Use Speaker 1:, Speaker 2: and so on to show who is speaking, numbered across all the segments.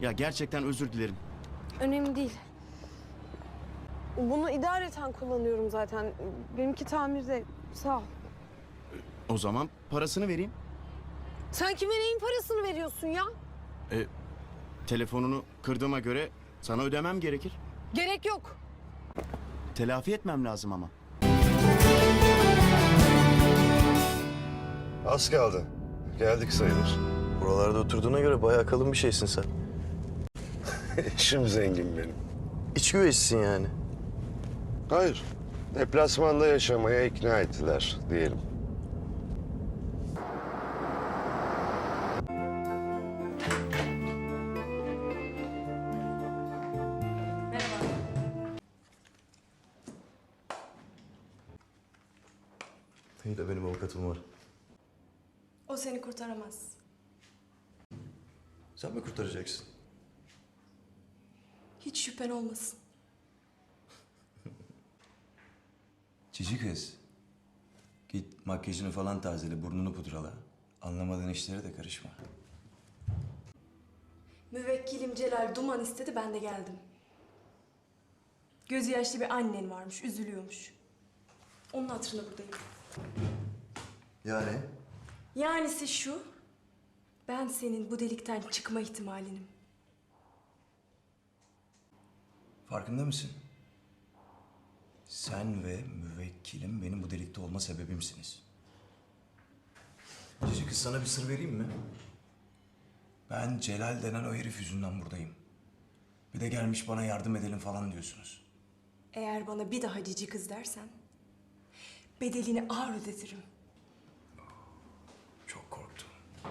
Speaker 1: Ya gerçekten özür dilerim.
Speaker 2: Önemli değil. Bunu idareten kullanıyorum zaten. Benimki tamirde. Sağ ol.
Speaker 1: O zaman parasını vereyim.
Speaker 2: Sen kime neyin parasını veriyorsun ya?
Speaker 1: Telefonunu kırdığıma göre sana ödemem gerekir.
Speaker 2: Gerek yok.
Speaker 1: Telafi etmem lazım ama.
Speaker 3: Az kaldı. Geldik sayılır.
Speaker 4: Buralarda oturduğuna göre bayağı kalın bir şeysin sen.
Speaker 3: İşim zengin benim.
Speaker 4: İç güveysisin yani.
Speaker 3: Hayır. Deplasmanda yaşamaya ikna ettiler diyelim.
Speaker 4: İyi de benim avukatım var.
Speaker 5: O seni kurtaramaz.
Speaker 4: Sen mi kurtaracaksın?
Speaker 5: Hiç şüphen olmasın.
Speaker 6: Cici kız. Git makyajını falan tazele, burnunu pudrala. Anlamadığın işlere de karışma.
Speaker 5: Müvekkilim Celal duman istedi, ben de geldim. Gözü yaşlı bir annen varmış, üzülüyormuş. Onun hatırına buradayım.
Speaker 4: Yani?
Speaker 5: Yanisi şu, ben senin bu delikten çıkma ihtimalinim.
Speaker 6: Farkında mısın? Sen ve müvekkilim benim bu delikte olma sebebimsiniz. Cici kız, sana bir sır vereyim mi? Ben Celal denen o herif yüzünden buradayım. Bir de gelmiş bana yardım edelim falan diyorsunuz.
Speaker 5: Eğer bana bir daha cici kız dersen, bedelini ağır ödetirim.
Speaker 6: Çok korktum.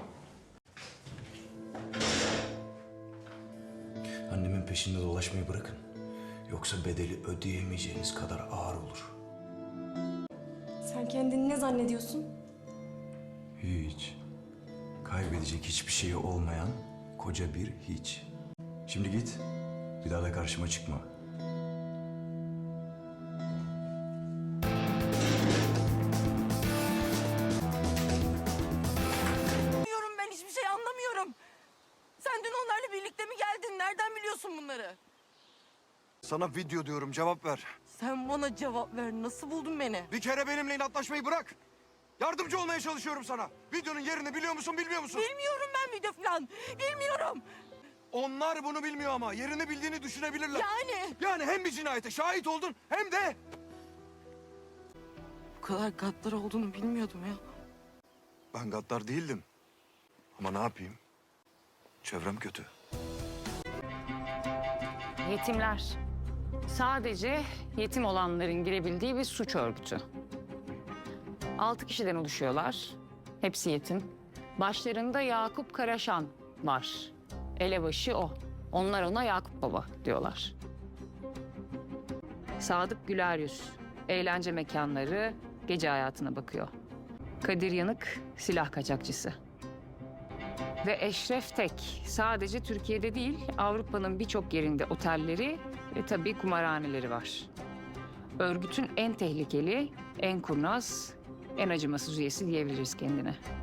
Speaker 6: Annemin peşinde dolaşmayı bırakın. Yoksa bedeli ödeyemeyeceğiniz kadar ağır olur.
Speaker 5: Sen kendini ne zannediyorsun?
Speaker 6: Hiç. Kaybedecek hiçbir şeyi olmayan koca bir hiç. Şimdi git. Bir daha da karşıma çıkma.
Speaker 7: Ben hiçbir şey anlamıyorum. Sen dün onlarla birlikte mi geldin? Nereden biliyorsun bunları?
Speaker 8: Sana video diyorum, cevap ver.
Speaker 7: Sen bana cevap ver. Nasıl buldun beni?
Speaker 8: Bir kere benimle inatlaşmayı bırak. Yardımcı olmaya çalışıyorum sana. Videonun yerini biliyor musun, bilmiyor musun?
Speaker 7: Bilmiyorum ben video falan. Bilmiyorum.
Speaker 8: Onlar bunu bilmiyor ama yerini bildiğini düşünebilirler.
Speaker 7: Yani
Speaker 8: hem bir cinayete şahit oldun hem de...
Speaker 7: bu kadar gaddar olduğunu bilmiyordum ya.
Speaker 8: Ben gaddar değildim. Ama ne yapayım? Çevrem kötü.
Speaker 9: Yetimler. Sadece yetim olanların girebildiği bir suç örgütü. 6 kişiden oluşuyorlar. Hepsi yetim. Başlarında Yakup Karaşan var. Elebaşı o. Onlar ona Yakup Baba diyorlar. Sadık Güleryüz. Eğlence mekanları, gece hayatına bakıyor. Kadir Yanık, silah kaçakçısı. Ve Eşref Tek sadece Türkiye'de değil, Avrupa'nın birçok yerinde otelleri ve tabii kumarhaneleri var. Örgütün en tehlikeli, en kurnaz, en acımasız üyesi diyebiliriz kendine.